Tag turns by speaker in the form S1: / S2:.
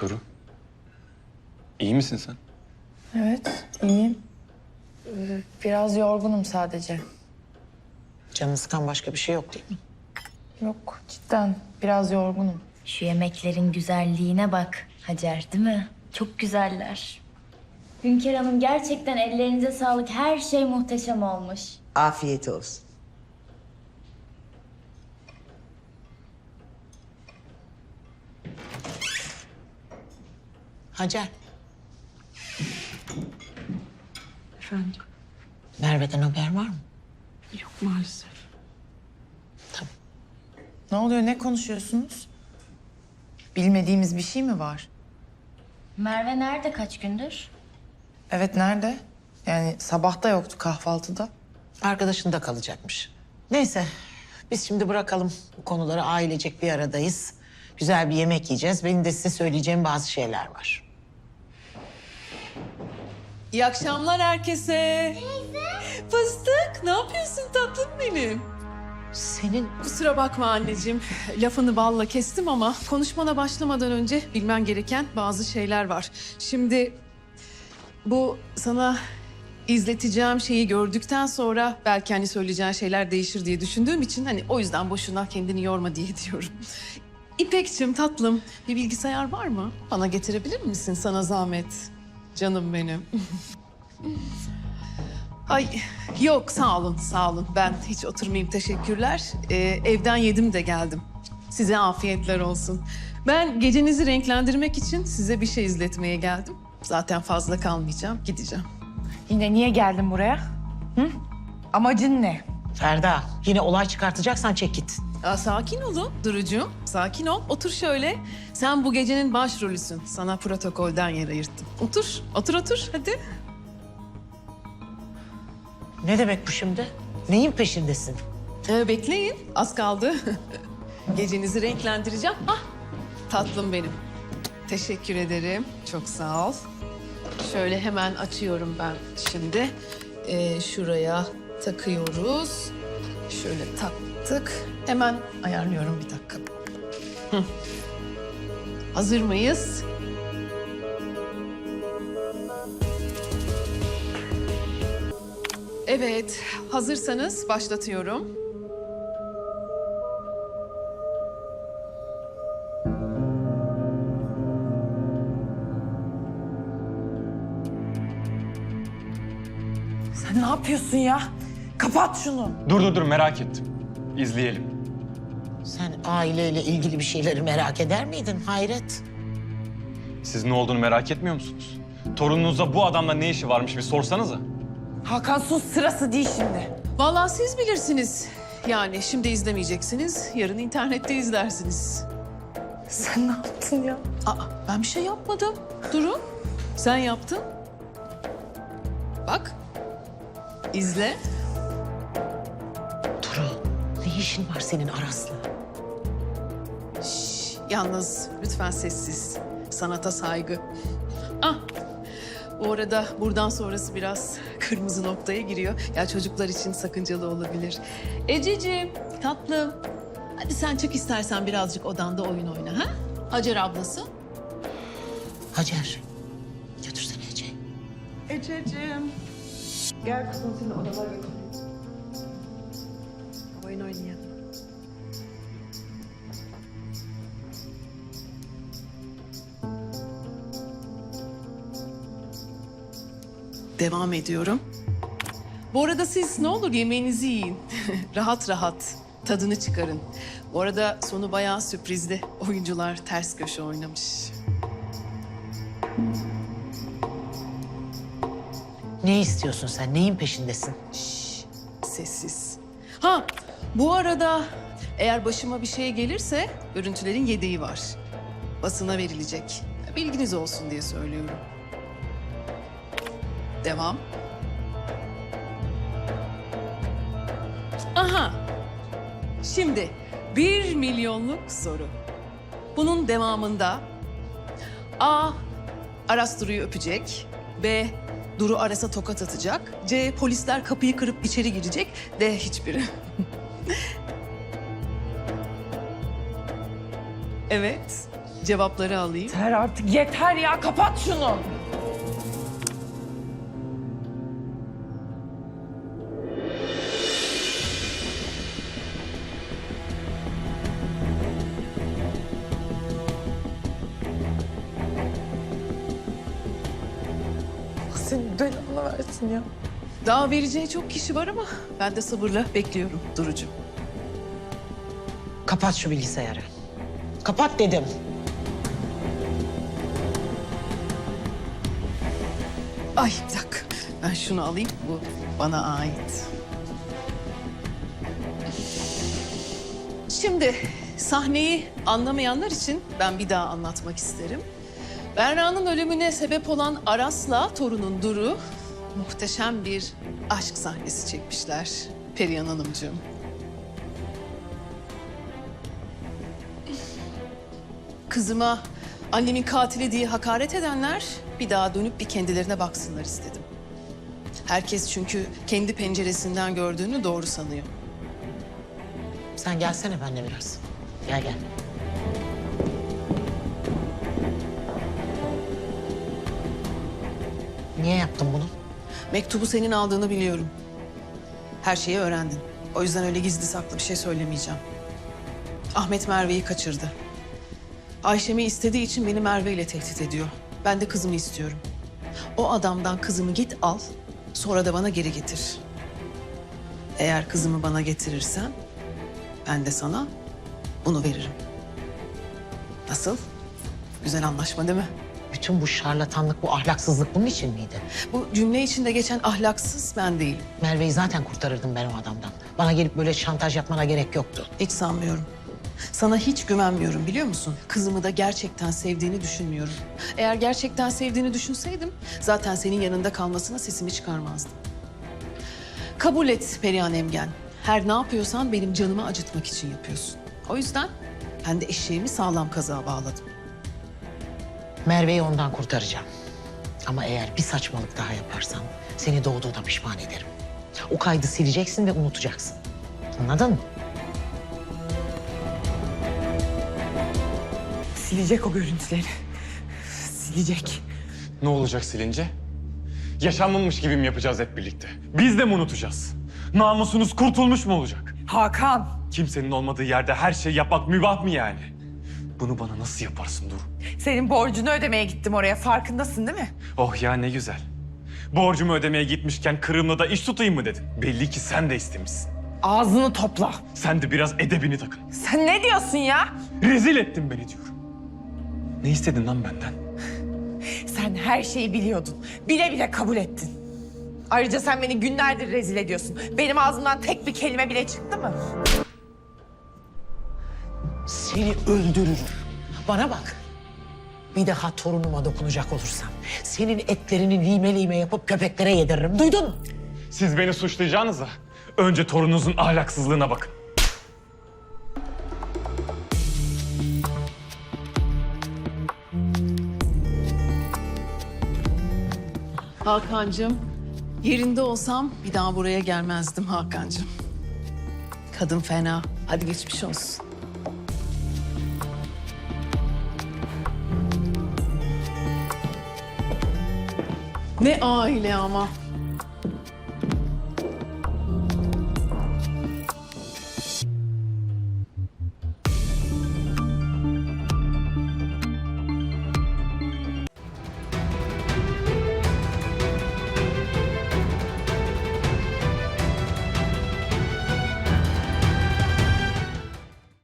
S1: Duru. İyi misin sen?
S2: Evet, iyiyim. Biraz yorgunum sadece.
S3: Canını sıkan başka bir şey yok değil mi?
S2: Yok, cidden biraz yorgunum.
S4: Şu yemeklerin güzelliğine bak Hacer, değil mi? Çok güzeller. Hünkar Hanım, gerçekten ellerinize sağlık. Her şey muhteşem olmuş.
S3: Afiyet olsun. Hacer.
S5: Efendim?
S3: Merve'den haber var mı?
S5: Yok maalesef.
S3: Tamam.
S2: Ne oluyor, ne konuşuyorsunuz? Bilmediğimiz bir şey mi var?
S4: Merve nerede kaç gündür?
S2: Evet, nerede? Yani sabah da yoktu kahvaltıda.
S3: Arkadaşında kalacakmış. Neyse biz şimdi bırakalım bu konuları, ailecek bir aradayız. Güzel bir yemek yiyeceğiz. Benim de size söyleyeceğim bazı şeyler var.
S5: İyi akşamlar herkese. Fıstık, ne yapıyorsun tatlım benim?
S3: Senin
S5: Kusura bakma anneciğim. Lafını balla kestim ama konuşmana başlamadan önce bilmen gereken bazı şeyler var. Şimdi bu sana izleteceğim şeyi gördükten sonra belki hani söyleyeceğin şeyler değişir diye düşündüğüm için hani o yüzden boşuna kendini yorma diye diyorum. İpekçim tatlım, bir bilgisayar var mı? Bana getirebilir misin sana zahmet? Canım benim. Ay yok sağ olun sağ olun. Ben hiç oturmayayım teşekkürler. Evden yedim de geldim. Size afiyetler olsun. Ben gecenizi renklendirmek için size bir şey izletmeye geldim. Zaten fazla kalmayacağım, gideceğim.
S2: Yine niye geldin buraya? Hı? Amacın ne?
S3: Ferda, yine olay çıkartacaksan çek git.
S5: Sakin olun Durucuğum, sakin ol. Otur şöyle. Sen bu gecenin başrolüsün. Sana protokolden yer ayırttım. Otur, otur hadi.
S3: Ne demek bu şimdi? Neyin peşindesin?
S5: Bekleyin, az kaldı. Gecenizi renklendireceğim. Ah, tatlım benim. Teşekkür ederim, çok sağ ol. Şöyle hemen açıyorum ben şimdi. Şuraya takıyoruz. Şöyle taktık. Hemen ayarlıyorum bir dakika. Hı. Hazır mıyız? Evet, hazırsanız başlatıyorum.
S2: Sen ne yapıyorsun ya? Kapat şunu.
S1: Dur merak ettim. İzleyelim.
S3: Sen aileyle ilgili bir şeyleri merak eder miydin Hayret?
S1: Siz ne olduğunu merak etmiyor musunuz? Torununuzda bu adamla ne işi varmış bir sorsanıza.
S2: Hakan sus, sırası değil şimdi.
S5: Vallahi siz bilirsiniz. Yani şimdi izlemeyeceksiniz, yarın internette izlersiniz.
S2: Sen ne yaptın ya?
S5: Aa, ben bir şey yapmadım. Durun. Sen yaptın. Bak. İzle.
S3: Duru, ne işin var senin Aras'la?
S5: Yalnız lütfen sessiz. Sanata saygı. Ah. Bu arada buradan sonrası biraz kırmızı noktaya giriyor. Ya çocuklar için sakıncalı olabilir. Ececiğim, tatlım. Hadi sen çık istersen birazcık odanda oyun oyna ha? Hacer ablası.
S3: Hacer, götürsene Ece'yi.
S6: Ececiğim. Gel kızım seni odama götüreyim. Oyun oynayalım.
S5: Devam ediyorum. Bu arada siz ne olur yemeğinizi yiyin. Rahat rahat tadını çıkarın. Bu arada sonu bayağı sürprizli. Oyuncular ters köşe oynamış.
S3: Ne istiyorsun sen? Neyin peşindesin?
S5: Sessiz. Ha, bu arada eğer başıma bir şey gelirse görüntülerin yedeği var. Basına verilecek. Bilginiz olsun diye söylüyorum. Devam. Aha. Şimdi 1 milyonluk soru. Bunun devamında A. Aras Duru'yu öpecek. B. Duru Aras'a tokat atacak. C. Polisler kapıyı kırıp içeri girecek. D. Hiçbiri. Evet. cevapları alayım.
S2: Yeter artık, yeter ya. Kapat şunu. Senin belanı versin ya.
S5: Daha vereceği çok kişi var ama ben de sabırla bekliyorum Duru'cum.
S3: Kapat şu bilgisayarı. Kapat dedim.
S5: Ay bir dakika. Ben şunu alayım. Bu bana ait. Şimdi sahneyi anlamayanlar için ben bir daha anlatmak isterim. Berra'nın ölümüne sebep olan Aras'la torunun Duru muhteşem bir aşk sahnesi çekmişler Perihan Hanımcığım. Kızıma annemin katili diye hakaret edenler bir daha dönüp bir kendilerine baksınlar istedim. Herkes çünkü kendi penceresinden gördüğünü doğru sanıyor.
S3: Sen gelsene benimle biraz. Gel gel. Niye yaptın bunu?
S5: Mektubu senin aldığını biliyorum. Her şeyi öğrendin. O yüzden öyle gizli saklı bir şey söylemeyeceğim. Ahmet Merve'yi kaçırdı. Ayşem'i istediği için beni Merve ile tehdit ediyor. Ben de kızımı istiyorum. O adamdan kızımı git al, sonra da bana geri getir. Eğer kızımı bana getirirsen, ben de sana bunu veririm. Nasıl? Güzel anlaşma değil mi?
S3: Bütün bu şarlatanlık, bu ahlaksızlık bunun için miydi?
S5: Bu cümle içinde geçen ahlaksız ben değilim.
S3: Merve'yi zaten kurtarırdım ben o adamdan. Bana gelip böyle şantaj yapmana gerek yoktu.
S5: Hiç sanmıyorum. Sana hiç güvenmiyorum biliyor musun? Kızımı da gerçekten sevdiğini düşünmüyorum. Eğer gerçekten sevdiğini düşünseydim zaten senin yanında kalmasına sesimi çıkarmazdım. Kabul et Perihan Emgen. Her ne yapıyorsan benim canımı acıtmak için yapıyorsun. O yüzden ben de eşeğimi sağlam kazığa bağladım.
S3: Merve'yi ondan kurtaracağım. Ama eğer bir saçmalık daha yaparsan seni doğduğuna pişman ederim. O kaydı sileceksin ve unutacaksın. Anladın mı?
S2: Silecek o görüntüleri. Silecek.
S1: Ne olacak silince? Yaşanmamış gibi mi yapacağız hep birlikte? Biz de mi unutacağız? Namusunuz kurtulmuş mu olacak?
S2: Hakan.
S1: Kimsenin olmadığı yerde her şeyi yapmak mübah mı yani? Bunu bana nasıl yaparsın Duru?
S2: Senin borcunu ödemeye gittim oraya. Farkındasın değil mi?
S1: Oh ya ne güzel. Borcumu ödemeye gitmişken Kırım'la da iş tutayım mı dedin? Belli ki sen de istemişsin.
S2: Ağzını topla.
S1: Sen de biraz edebini takın.
S2: Sen ne diyorsun ya?
S1: Rezil ettin beni diyorum. Ne istedin lan benden?
S2: Sen her şeyi biliyordun. Bile bile kabul ettin. Ayrıca sen beni günlerdir rezil ediyorsun. Benim ağzımdan tek bir kelime bile çıktı mı?
S3: Seni öldürürüm. Bana bak. Bir daha torunuma dokunacak olursan senin etlerini lime lime yapıp köpeklere yediririm. Duydun mu?
S1: Siz beni suçlayacağınıza önce torununuzun ahlaksızlığına bakın.
S5: Hakan'cığım, yerinde olsam bir daha buraya gelmezdim Hakan'cığım. Kadın fena. Hadi geçmiş olsun. Ne aile ama.